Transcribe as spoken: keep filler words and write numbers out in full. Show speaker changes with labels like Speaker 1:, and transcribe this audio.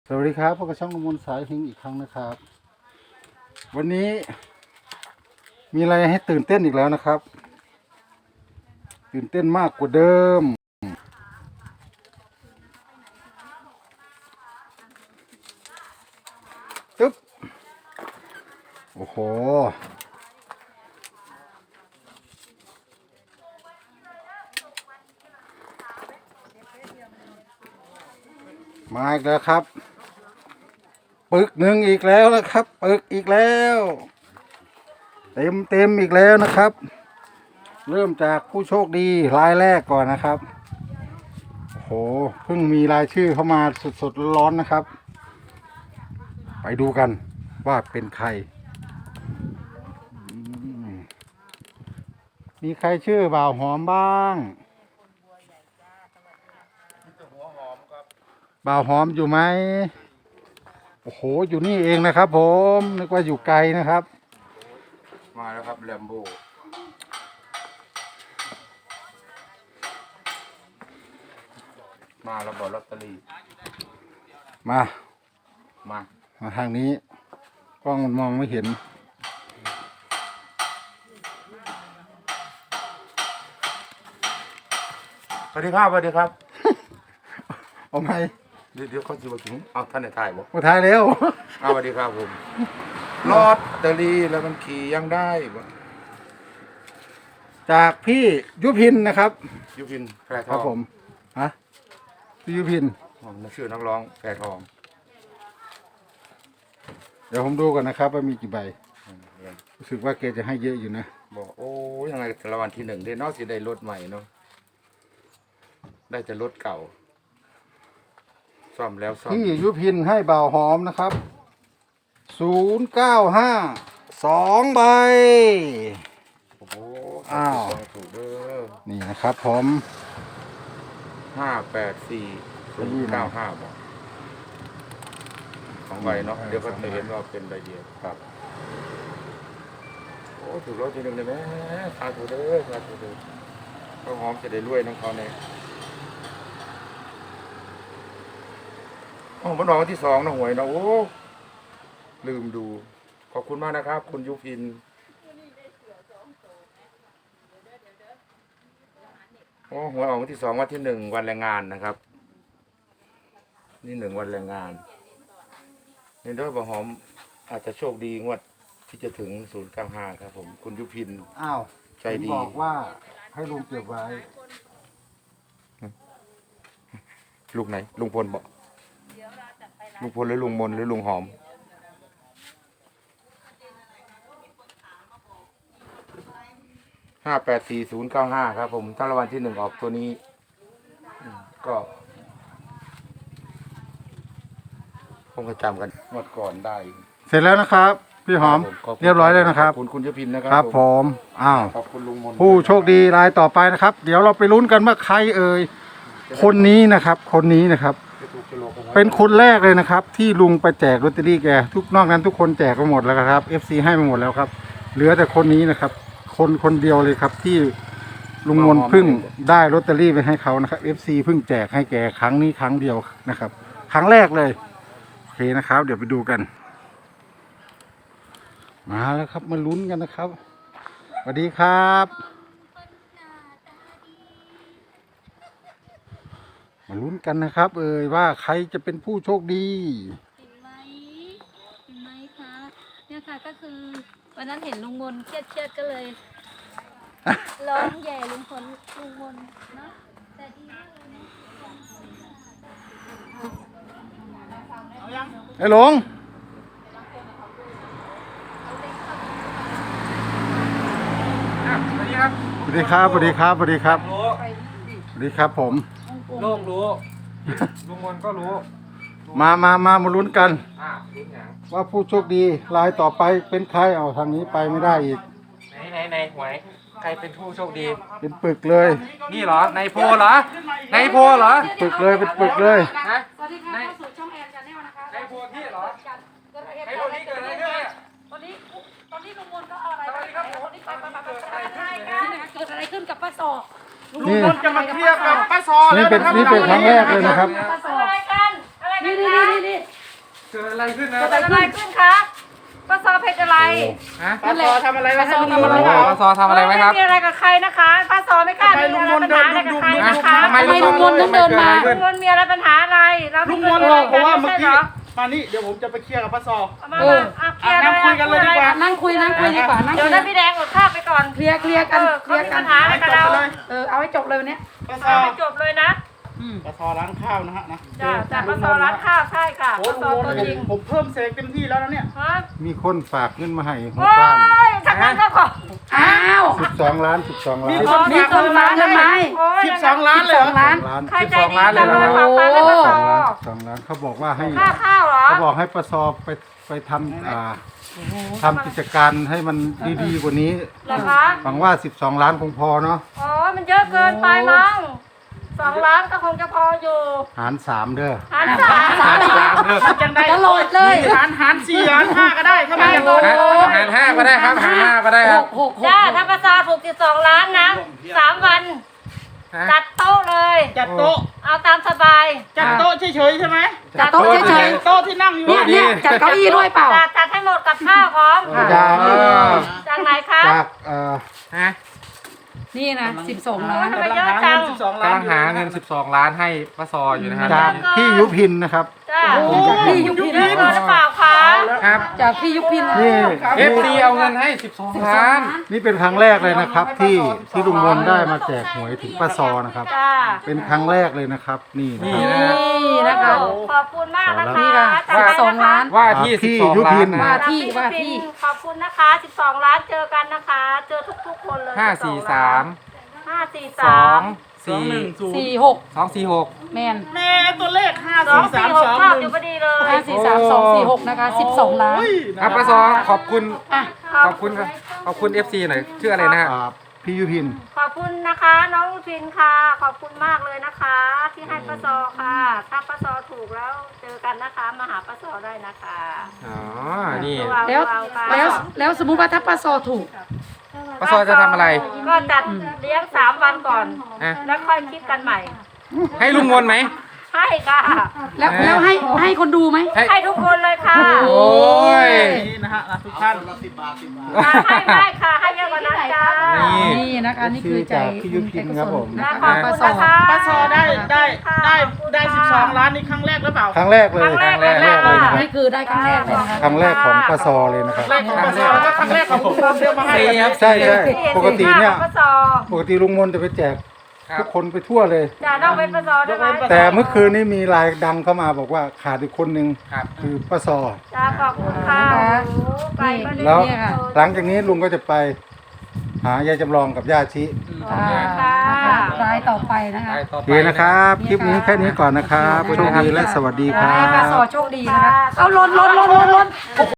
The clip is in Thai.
Speaker 1: สวัสดีครับพบกับช่องกมลสายพิงอีกครั้งนะครับ วันนี้มีอะไรให้ตื่นเต้นอีกแล้วนะครับ ตื่นเต้นมากกว่าเดิมตึ๊บโอ้โหมาอีกแล้วครับปึกหนึ่งอีกแล้วนะครับปึกอีกแล้วเต็มเต็มอีกแล้วนะครับเริ่มจากผู้โชคดีรายแรกก่อนนะครับโอ้โหเพิ่งมีรายชื่อเข้ามาสดๆร้อนๆนะครับไปดูกันว่าเป็นใครมีใครชื่อบ่าวหอมบ้างบ่าวหอมอยู่ไหมโอ้โหอยู่นี่เองนะครับผมนึกว่าอยู่ไกลนะครับ
Speaker 2: มาแล้วครับแลมโบมาแล้วบอกลอตเตอรี่
Speaker 1: มา
Speaker 2: มา
Speaker 1: มาทางนี้กล้องมันมองไม่เห็น
Speaker 2: สวัสดีครับสวัสดีครับ
Speaker 1: เอาไหม
Speaker 2: เดี๋ยวเดี๋ยวเขาจะมาถึงเอาท่านในถ่ายบอก
Speaker 1: มาถ่ายแล้ว
Speaker 2: เอาสวัสดีครับผมลอตเตอรี่แล้วมันขี่ยังได้บ่
Speaker 1: จากพี่ยุพินนะครับ
Speaker 2: ยุพินแพรทอง
Speaker 1: ครับผมฮะพี่ยุพิน
Speaker 2: ผมชื่อนักร้องแพรทอง
Speaker 1: เดี๋ยวผมดูก่อนนะครับว่ามีกี่ใบรู้สึกว่าแกจะให้เยอะอยู่นะ
Speaker 2: บอกโอ้ยังไงรางวัลที่หนึ่งได้นอกสิได้รถใหม่เนาะได้แต่รถเก่าซ่อมแล้วซ่อม
Speaker 1: พี่ยุพินให้บ่าวหอมนะครับศูนย์เก้าห้าสองใบ
Speaker 2: โอ้โห
Speaker 1: อ้าว
Speaker 2: ถูกเด้อ
Speaker 1: นี่นะครับผม
Speaker 2: ห้าแปดสี่ศูนย์เก้าห้าบอกสองใบเนาะเดี๋ยวก็จะเห็นว่าเป็นใบเดียวครับโอ้ถูกรถทีหนึ่งเลยไหมสาธุเด้อสาธุเด้อเขาหอมจะได้รวยน้องเขาเนี่ยอ๋อมันออกวันที่สองนะหวยนะโอ้ลืมดูขอบคุณมากนะครับคุณยุพินโอ้หวยออกวันที่สองวันที่หนึ่งวันแรงงานนะครับนี่หนึ่งวันแรงงานนี่ด้วยบะหอมอาจจะโชคดีงวดที่จะถึงศูนย์เก้าห้าครับผมคุณยุพิน
Speaker 1: อ้าว
Speaker 2: ใจดี
Speaker 1: บอกว่าให้ลุงเก็บไว้
Speaker 2: ลุงไหนลุงพลบอกลุงพลหรือลุงมนหรือลุงหอมห้าแปดสี่ศูนย์เก้าห้าครับผมถ้ารางวัลที่หนึ่งออกตัวนี้ก็คงจะจำกันงวดก่อนได้
Speaker 1: เสร็จแล้วนะครับพี่หอมเรียบร้อยแล้วนะครับ
Speaker 2: ขอบคุณคุณยุพินนะครับ
Speaker 1: ครับผมอ้าว
Speaker 2: ขอบคุณลุงมน
Speaker 1: ผู้โชคดีรายต่อไปนะครับเดี๋ยวเราไปลุ้นกันว่าใครเอ่ยคนนี้นะครับคนนี้นะครับเป็นคนแรกเลยนะครับที่ลุงไปแจกลอตเตอรี่แกทุกนอกนั้นทุกคนแจกไปหมดแล้วครับ เอฟ ซี ให้ไปหมดแล้วครับเหลือแต่คนนี้นะครับคนคนเดียวเลยครับที่ลุงมนเพิ่งได้ลอตเตอรี่ไปให้เขานะครับ เอฟ ซี เพิ่งแจกให้แกครั้งนี้ครั้งเดียวนะครับครั้งแรกเลยโอเคนะครับเดี๋ยวไปดูกันมาแล้วครับมาลุ้นกันนะครับสวัสดีครับมาลุ้นกันนะครับเอ่ยว่าใครจะเป็นผู้โชคดี
Speaker 3: เห็นไหมเห็นไหมคะเนี่ยค่ะก็คือวันนั้นเห็นลุงมนเครียดเครียดก็เลยร้องแย่ลุงพลลุงมนเนาะแต่ดีมากเลยนะ
Speaker 1: ไอ้หลง
Speaker 2: สวัสดีครับ
Speaker 1: สวัสดีครับสวัสดีครับสวัสดีครับสวัสดีครับผม
Speaker 2: โลกรู้ลุงมนก็รู้
Speaker 1: มามามามาลุ้นกัน
Speaker 2: อ่า
Speaker 1: ว่าผู้โชคดีรายต่อไปเป็นใครเอาทางนี้ไปไม่ได้อีก
Speaker 4: ไหนไหนไหนหวยใครเป็นผู้โชคดี
Speaker 1: เป็นปึกเลย
Speaker 4: นี่เหรอในโพเหรอในโพเหรอ
Speaker 1: ปึกเลยเป็นปึกเลย
Speaker 4: ฮะ
Speaker 3: สวัสดีค่ะเข้าสู่ช่องแอนชาแนลนะคะ
Speaker 4: ในโพที่เหรอในโพที่เกิดอะไรขึ้นเนี่ย
Speaker 3: ตอนนี้ตอนนี้ลุงมนก็เอาอะไรไปตอนนี้ไปไปไปเกิดอะไรขึ้นกับป้าสอ
Speaker 1: ลุงมน
Speaker 4: จะมาเคลียร์กับป้าซอ
Speaker 1: นี่เป็นนี่เป็นครั้งแรกเลยนะครับ
Speaker 3: ป้าสออะไรกันอะไรกันนี่นี่นี่นี่
Speaker 4: กิดอะไรขึ้นนะ
Speaker 3: เกิดอะไรขึ้นคะป้าซอเพชรอะไร
Speaker 4: ฮะ
Speaker 5: ป้าซอทำอะไรไว้ให้ลุงมน
Speaker 4: โอ้
Speaker 5: ต์
Speaker 4: โหป้าซอทำอะไรไว้ครับ
Speaker 3: ไม่มีอะไรกับใครนะคะป้าซอไม่กล้ามีอะไรปัญหาอะไรกับใครนะคะ
Speaker 4: ทำไมลุงมนต์ถึงเดินมา
Speaker 3: ลุงมนต์มีอะไรปัญหาอะไรเรา
Speaker 5: ลุ
Speaker 3: ไม่
Speaker 5: ง
Speaker 3: เค
Speaker 5: ม
Speaker 3: ย
Speaker 5: นต์
Speaker 3: มี
Speaker 5: บ
Speaker 3: อะ
Speaker 5: อก
Speaker 3: ไร
Speaker 5: ผม
Speaker 3: กัน
Speaker 5: ว่า
Speaker 3: ไม่
Speaker 5: เมื่อ
Speaker 3: ใช่เหรอ
Speaker 5: กี้มานี่เดี๋ยวผมจะไปเคลียร์กับป้าซอ
Speaker 3: มามาอ่ะเคลียร์เลย
Speaker 5: นั่งคุยกันเลยดีกว่า
Speaker 6: นั่งคุยนั่งคุยดีกว่านั่ง
Speaker 3: เดี๋
Speaker 6: คุ
Speaker 3: ยวย นั้นพี่แดงอดข้าวไปก่อน
Speaker 6: เคลียร์เคลียร์กัน
Speaker 3: เออ
Speaker 6: เค
Speaker 3: เขา
Speaker 6: ลียร์
Speaker 3: มี
Speaker 6: กั
Speaker 3: ปั
Speaker 6: น
Speaker 3: ญหาอะไรกับเรา
Speaker 6: เออเอาให้จบเลยวันเนี้ย
Speaker 5: ป้าซ
Speaker 3: เอา
Speaker 5: อ
Speaker 3: ให้จบเลยนะ
Speaker 5: ป้าซอร้านข้าวนะฮะนะ
Speaker 3: จ้าจากป้าซอร้านข้าวใช่ค่ะ
Speaker 5: โอ้
Speaker 3: ป้า
Speaker 5: ลุ
Speaker 3: ซอง
Speaker 5: ม
Speaker 3: ตัวน จริง
Speaker 5: ต์ผมเพิ่มเสกเต็มที่แล้วนะเนี่ย
Speaker 3: ฮะ
Speaker 1: มีคนฝากเงินมาให้หัว
Speaker 3: โอ้
Speaker 1: บ้าน
Speaker 3: ยทางนั้นก็ขอ
Speaker 6: อ้าว
Speaker 1: สิบสองล้านสิบสองล้าน
Speaker 5: มีคน
Speaker 6: มีคนมาเงินไหม
Speaker 3: โอ้ย
Speaker 5: สิบสองล้านเลยเหรอ
Speaker 6: ล้าน
Speaker 1: ล้าน
Speaker 3: ใครใจดี
Speaker 4: สิบสองล้านเล
Speaker 3: จั
Speaker 4: ย
Speaker 3: ง
Speaker 4: เหรอ
Speaker 3: เลยฝากตังค์ให้ป้าซอ
Speaker 1: สองล้านสองล้านเขาบอกว่าให้
Speaker 3: ค่าข้าวเหรอ
Speaker 1: เขาบอกให้ประสอบไปไปทำอ่าทำกิจการให้มันดีๆกว่านี้
Speaker 3: เหรอคะ
Speaker 1: หวังว่าสิบสองล้านคงพอเนาะ
Speaker 3: อ๋อมันเยอะเกินไปมั้งสองล้านก็คงจะพออยู่
Speaker 1: หารสามเด้อ
Speaker 3: หันสาม
Speaker 4: สามสามเด้อ
Speaker 5: จังได้
Speaker 6: ตลอดเลย
Speaker 5: หารหารสี่หารห้าก็ได้ถ้าไม่อยากโดน
Speaker 4: ฮะหารห้าก็ได้ครับหารห้าก็ได้
Speaker 6: ห
Speaker 4: ครับ
Speaker 6: กหกหก
Speaker 3: จ้าถ้าป้าซอถูกสิบสองล้านนะสามวัน
Speaker 4: ฮะ
Speaker 3: จัดโต๊ะเลย
Speaker 5: จัดโต๊ะ
Speaker 3: เอาตามสบาย
Speaker 5: จัดโต๊ะเฉยๆใช่ไหม
Speaker 6: จัดโต๊ะเฉย
Speaker 5: โต๊ะที่นั่งอยู่
Speaker 6: ๆเนี่ยเนี่ยจัดเก้าอี้ด้วยเปล่า
Speaker 3: จัดจัดให้หมดกับข้าวพร้อม
Speaker 1: จาก
Speaker 4: เออ
Speaker 3: จากไหนคะ
Speaker 1: จากเอ่อ
Speaker 4: ฮะ
Speaker 6: นี่นะสิบสองล้าน
Speaker 3: ทำไมเยอะจัง
Speaker 5: สิบสองล้าน
Speaker 4: กำลังหาเงินสิบสองล้านให้ป้าซออยู่นะครับ
Speaker 1: จากพี่ยุพินนะครับ
Speaker 3: จ้า
Speaker 5: โอ้
Speaker 6: พี่ยุพิน
Speaker 3: เยอะเกินหรือเปล่าคะ
Speaker 4: ครับ
Speaker 6: จากพี่ยุพิน
Speaker 1: นี่
Speaker 4: เอฟซีเอาเงินให้สิบสองล้าน
Speaker 1: นี่เป็นครั้งแรกเลยนะครับ ที่ที่ลุงมนได้มาแจกหวยถึงป้าซอนะครับ
Speaker 3: จ้า
Speaker 1: เป็นครั้งแรกเลยนะครับ นี่นะ
Speaker 4: นี่
Speaker 1: ครับ
Speaker 4: นะ
Speaker 6: นี่นะคะ
Speaker 3: ขอบคุณมากนะคะ
Speaker 6: นี่ค่ะ
Speaker 3: จัดไป
Speaker 6: สิบสองล้าน
Speaker 4: ว่าที่
Speaker 1: พี่
Speaker 4: สิบสอง
Speaker 1: ยุพิ
Speaker 4: ล้าน
Speaker 1: น
Speaker 4: นะ
Speaker 6: ว่าที่ว่าที่
Speaker 3: ขอบคุณนะคะสิบสองล้านเจอกันนะคะ เจอทุกๆคนเลย
Speaker 4: ห้าสี่สาม
Speaker 3: ห้าสี่
Speaker 4: ส
Speaker 3: สา
Speaker 4: อง
Speaker 3: ม
Speaker 5: สอง
Speaker 4: สี่
Speaker 5: หนึ่งศูนย์
Speaker 6: สี่หก
Speaker 4: สองสี่หก
Speaker 6: แมน
Speaker 5: แม่ตัวเลขห้า
Speaker 3: สอง
Speaker 5: สี่สา
Speaker 3: สี่
Speaker 5: ม
Speaker 3: ห
Speaker 5: ส
Speaker 3: ก
Speaker 5: อง
Speaker 3: ชอบ
Speaker 5: ห
Speaker 3: อ
Speaker 5: นึ่
Speaker 3: ยู่
Speaker 5: ง
Speaker 3: พอดีเลย
Speaker 6: ห้าสี่สามสองสี่หกนะคะสิบสองล้าน
Speaker 4: ครับป้าซอขอบคุณ
Speaker 6: อ่ะ
Speaker 4: ขอบคุณครับขอบคุณ เอฟ ซี หน่อยชื่ออะไรนะฮะ
Speaker 1: อ่าพี่ยุพิน
Speaker 3: ขอบคุณนะคะ น้องลูทินค่ะ ขอบคุณมากเลยนะคะ ที่ให้ป้าซอค่ะ ถ้าป้าซอถูกแล้วเจอกันนะคะ มาหาป้าซอได้นะคะ
Speaker 4: อ๋อ นี่
Speaker 6: แล้ว
Speaker 3: เอาๆค่ะ
Speaker 6: แล้วแล้วสมมุติว่าถ้าป้าซอถูก
Speaker 4: ป้าซอจะทำอะไร
Speaker 3: ก็จัดเลี้ยงสามวันก่อน
Speaker 4: อ่ะ
Speaker 3: แล้วค่อยคิดกันใหม่
Speaker 4: ให้ลุงมนไหม
Speaker 3: ให้ค่ะ
Speaker 6: แล้วแล้วให้ให้คนดูไหม
Speaker 4: ให้
Speaker 3: ให้ทุกคนเลยค่ะ
Speaker 4: โอ้ย
Speaker 5: นี่นะฮะนะทุกท่าน
Speaker 3: ค่ะให้ได้ค่ะ ให้เยอะกว่านั้นจ้า
Speaker 4: นี่
Speaker 6: นี่นะคะนี่คือใจ
Speaker 1: จากพี่ยุพินครับผม
Speaker 6: นะ
Speaker 3: ขอบ
Speaker 6: คะ
Speaker 3: คุ
Speaker 6: ป้า
Speaker 3: ณ
Speaker 6: ซอ
Speaker 3: นะคะ
Speaker 5: ป้าซอได้ได้ได้ได้สิบสองล้านนี่ครั้งแรกหรือเปล่า
Speaker 1: ครั้งแรกเลย
Speaker 3: ครั้งแรก
Speaker 1: ครั้งแรกเลยนะครับ
Speaker 6: นี่คือได้ครั้งแรกเลยนะคะ
Speaker 1: ครั้งแรกของป้าซอเลยนะครับ
Speaker 5: แรกของป้าซอแล้วก็ครั้งแรกของลุงมนต์เดียวมาให้
Speaker 4: สี่ครับ
Speaker 1: ใช่ใช่ปกติเนี่ย
Speaker 3: ป้าซอ
Speaker 1: ปกติลุงมนจะไปแจก
Speaker 4: ครับ
Speaker 1: ทุกคนไปทั่วเลย
Speaker 3: จะต้องเป็นป้าซอได้ไหม
Speaker 1: แต่เมื่อคืนนี้มีรายดังเข้ามาบอกว่าขาดอีกคนหนึ่ง
Speaker 4: ครับ
Speaker 1: คือป้าซอ
Speaker 3: จ้าขอบคุณค่ะโอ้ไปก็ได้
Speaker 1: แล้ว
Speaker 6: เนี่ยค่ะ
Speaker 1: หลังจากนี้ลุงก็จะไปหายายจำลองกับย่าชิ
Speaker 6: อ่านะคะรายต่อไปนะคะ
Speaker 4: ไปต่อ
Speaker 1: โอ
Speaker 4: ไป
Speaker 1: เคนะครับ คลิปนี้แค่นี้ก่อนนะครับโชคดีและสวัสดีครั
Speaker 6: ให้ป้า
Speaker 1: บ
Speaker 6: ซอโชคดีนะคะ เอาลนลนลนลนลน